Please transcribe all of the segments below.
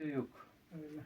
şey yok. Öyle.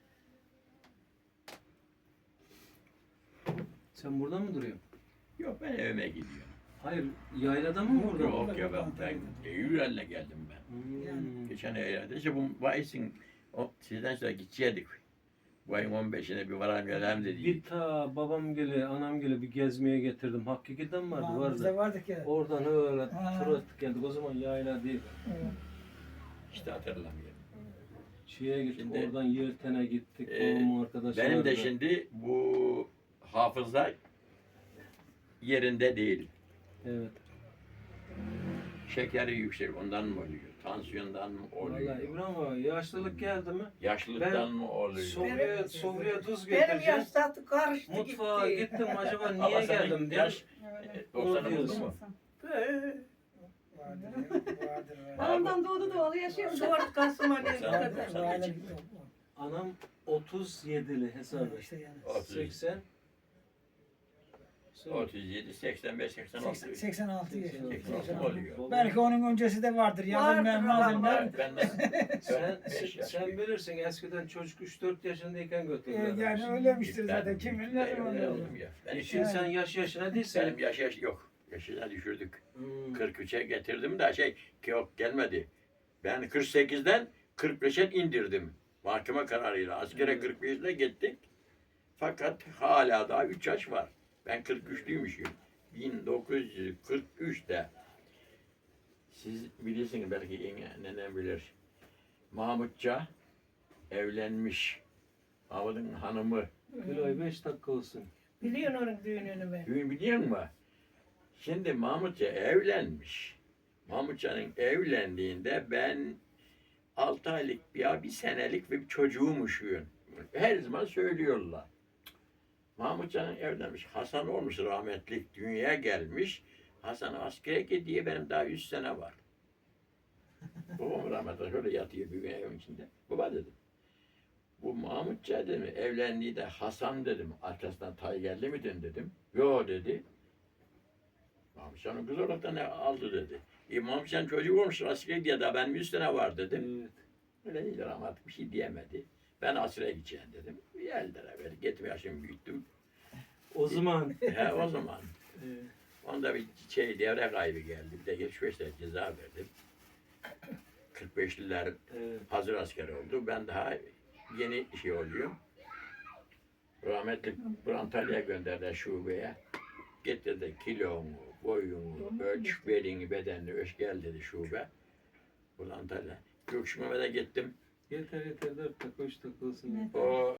Sen burada mı duruyorsun? Yok ben evime gidiyorum. Hayır, yaylada mı Yok, burada? yok. Yok ya ben Eylül'le geldim ben. Hmm. Geçen Eylül'de işte bu Mayıs'ın sizden sonra gidecektik. Bu ayın 15'ine bir varalım gelelim Bir dedik. ta babam gele, anam gele bir gezmeye getirdim. Hakikaten vardı, Bizde vardı. vardık ya. Oradan öyle Ha. tur attık geldik. O zaman yayla değil. Evet. İşte hatırlamıyorum. Şeye gittik, Şimdi, oradan Yelten'e gittik. e, Babamın arkadaşları. Benim de şimdi bu hafıza yerinde değil. Evet. Şekeri yüksek ondan mı oluyor? Tansiyondan mı oluyor? Vallahi İbrahim abi yaşlılık geldi mi? Yaşlılıktan mı oluyor? Sofraya tuz Benim getireceğim. yaştatı karıştı Mutfağa gitti. gittim acaba Ama niye senin geldim diye. yaş Evet. 90 oldu diyorsun. mu? Vardır. Ondan doğdu doğalı yaşıyorum. 4 Kasım'a ne Sen- kadar. sen- Anam 37'li hesabı. İşte yani. 80. 37, 85, 86. 86 yaşında. 86 oluyor. Belki onun öncesi de vardır. Yazılmayan malzemeler. Ben Sen bilirsin eskiden çocuk 3-4 yaşındayken götürdüler. Yani öylemiştir zaten. Kim bilir ne zaman öyle olur. Şimdi sen yaş yaşına değilsin. Benim yaş yok. Yaşına düşürdük. Hmm. 43'e getirdim de yok gelmedi. Ben 48'den 45'e indirdim. Mahkeme kararıyla. Askere 45'le gittik. Fakat hala daha 3 yaş var. Ben 43'lüymüşüm. 1943'te. Siz bilirsiniz belki nenem bilir. Mahmutça evlenmiş. Mahmut'un hanımı. Kiloyu 5 dakika olsun. Biliyorsun onun düğününü ben. Düğün biliyor musun? Şimdi Mahmutça evlenmiş. Mahmutça'nın evlendiğinde ben 6 aylık bir senelik bir çocuğumuşum. Her zaman söylüyorlar. Mahmutcan'ın evlenmiş. Hasan olmuş rahmetlik. Dünyaya gelmiş. Hasan askere gidiyor. Benim daha 100 sene var. Babam rahmetli şöyle yatıyor bir gün evin içinde. Baba dedim. Bu Mahmutça dedim. Evlendiği de Hasan dedim. Arkasından Taygerli miydin dedim. Yo dedi. Mahmutcan'ın kız olarak da ne aldı dedi. Mahmutcan çocuk olmuş askere gidiyor da benim 100 sene var dedim. Evet. Öyle değil rahmetli bir şey diyemedi. Ben askere gideceğim dedim. Geldiler böyle. Gittim yaşımı büyüttüm. O zaman. He o zaman. Evet. Onda bir devre kaybı geldi. Bir de 75 lira ceza verdim. 45'liler Evet. hazır asker oldu. Ben daha yeni şey oluyorum. Rahmetli Antalya'ya gönderdiler şubeye. Getirdi kilonu, boyunu, ölç, belini, bedenini ölç gel dedi şube. Buradan Antalya. Gökşü Mehmet'e gittim. Yeter 4 dakika 3 dakika olsun. O